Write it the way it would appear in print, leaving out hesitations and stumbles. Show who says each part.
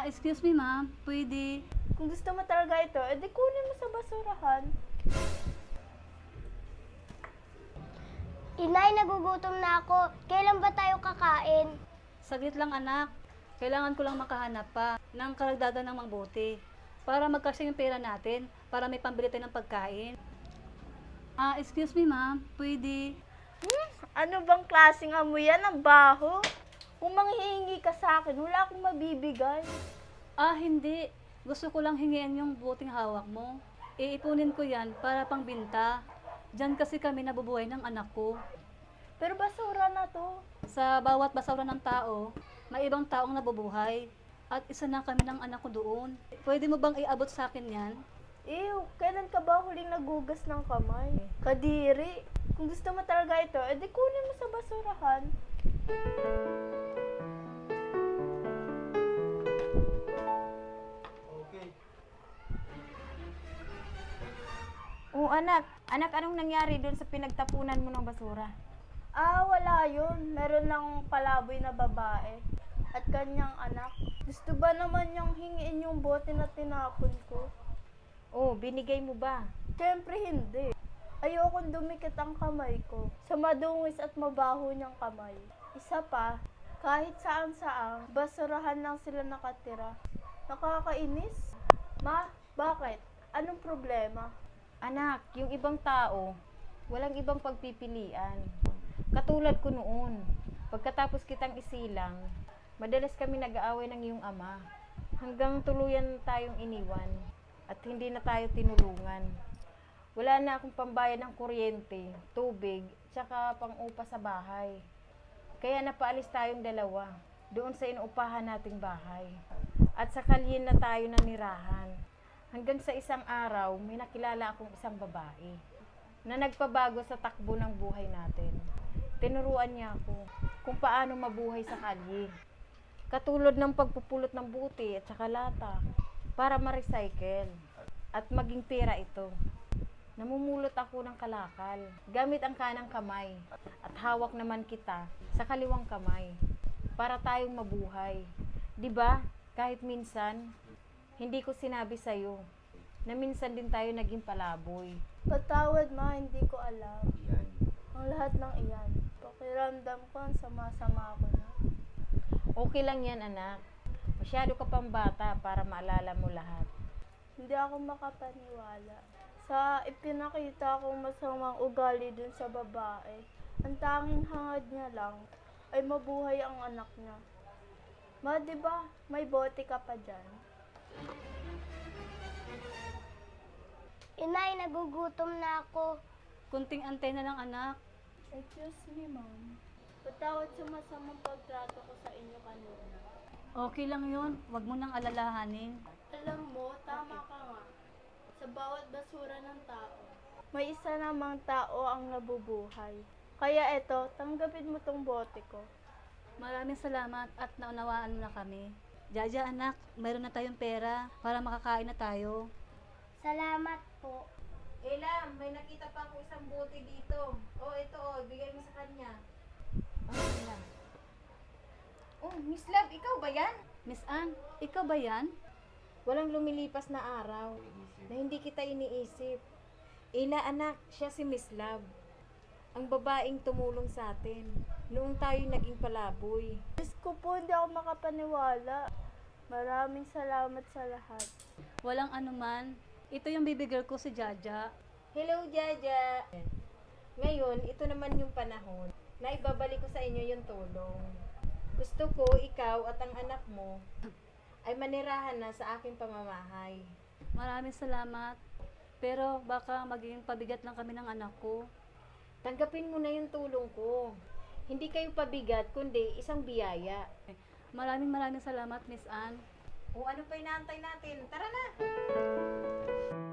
Speaker 1: Excuse me ma'am, pwede.
Speaker 2: Kung gusto mo talaga ito, edi kunin mo sa basurahan.
Speaker 3: Inay, nagugutom na ako. Kailan ba tayo kakain?
Speaker 1: Saglit lang anak, kailangan ko lang makahanap pa ng karagdagan ng mangbuti para magkasya yung pera natin para may pambili tayo ng pagkain. Excuse me ma'am, pwede.
Speaker 2: Ano bang klaseng amoy yan? Ang baho. Kung manghihingi ka sa akin, wala akong mabibigay.
Speaker 1: Hindi. Gusto ko lang hingin yung buting hawak mo. Iipunin ko yan para pangbinta. Diyan kasi kami nabubuhay ng anak ko.
Speaker 2: Pero basura na to.
Speaker 1: Sa bawat basura ng tao, may ibang taong nabubuhay. At isa na kami ng anak ko doon. Pwede mo bang iabot sa akin yan?
Speaker 2: Ew, kailan ka ba huling nagugas ng kamay? Kadiri. Kung gusto mo talaga ito, edi kunin mo sa basurahan.
Speaker 4: Oo, anak. Anak, anong nangyari doon sa pinagtapunan mo ng basura?
Speaker 2: Wala yun. Meron lang palaboy na babae at kanyang anak. Gusto ba naman niyang hingiin yung bote na tinapon ko?
Speaker 4: Oh, binigay mo ba?
Speaker 2: Siyempre hindi. Ayokong dumikit ang kamay ko sa madungis at mabaho niyang kamay. Isa pa, kahit saan-saan, basurahan lang sila nakatira. Nakakainis. Ma, bakit? Anong problema?
Speaker 4: Anak, yung ibang tao, walang ibang pagpipilian. Katulad ko noon, pagkatapos kitang isilang, madalas kami nag-aaway ng iyong ama. Hanggang tuluyan tayong iniwan at hindi na tayo tinulungan. Wala na akong pambayad ng kuryente, tubig, tsaka pang-upa sa bahay. Kaya napaalis tayong dalawa doon sa inuupahan nating bahay. At sa kalye na tayo nanirahan. Hanggang sa isang araw, may nakilala akong isang babae na nagpabago sa takbo ng buhay natin. Tinuruan niya ako kung paano mabuhay sa kalye. Katulad ng pagpupulot ng buti at saka lata para ma-recycle at maging pera ito. Namumulot ako ng kalakal gamit ang kanang kamay at hawak naman kita sa kaliwang kamay para tayong mabuhay. 'Di ba? Kahit minsan hindi ko sinabi sa'yo na minsan din tayo naging palaboy.
Speaker 2: Patawad ma, hindi ko alam. Ang lahat ng iyan. Pakiramdam ko ang sama-sama ko na.
Speaker 4: Okay lang yan, anak. Masyado ka pang bata para maalala mo lahat.
Speaker 2: Hindi ako makapaniwala sa ipinakita kong masamang ugali dun sa babae. Ang tanging hangad niya lang ay mabuhay ang anak niya. Ma, di ba may bote ka pa dyan?
Speaker 3: Inay, nagugutom na ako.
Speaker 1: Kunting antena lang anak.
Speaker 2: Excuse me, ma'am. Patawad sa masamang pagtrato ko sa inyo kanina.
Speaker 1: Okay lang yun. Huwag mo nang alalahanin.
Speaker 2: Alam mo, tama ka nga. Sa bawat basura ng tao, may isa namang tao ang nabubuhay. Kaya eto, tanggapin mo tong bote ko.
Speaker 1: Maraming salamat at naunawaan mo na kami. Jaja anak, mayroon na tayong pera para makakain na tayo.
Speaker 3: Salamat po.
Speaker 4: Ela, may nakita pa ako isang bote dito. Oh, ito bigay mo sa kanya. Ela. Oh, Miss Love, ikaw ba yan?
Speaker 1: Miss Ann, ikaw ba yan?
Speaker 4: Walang lumilipas na araw na hindi kita iniisip. Ela, anak, siya si Miss Love. Ang babaeng tumulong sa atin noong tayo naging palaboy.
Speaker 2: Diyos ko po, hindi ako makapaniwala. Maraming salamat sa lahat.
Speaker 1: Walang anuman. Ito yung baby girl ko si Jaja.
Speaker 4: Hello, Jaja! Ngayon, ito naman yung panahon na ibabalik ko sa inyo yung tulong. Gusto ko ikaw at ang anak mo ay manirahan na sa aking pamamahay.
Speaker 1: Maraming salamat. Pero baka magiging pabigat lang kami ng anak ko.
Speaker 4: Tanggapin mo na yung tulong ko. Hindi kayo pabigat, kundi isang biyaya.
Speaker 1: Maraming salamat, Miss Ann.
Speaker 4: O ano pa inaantay natin? Tara na!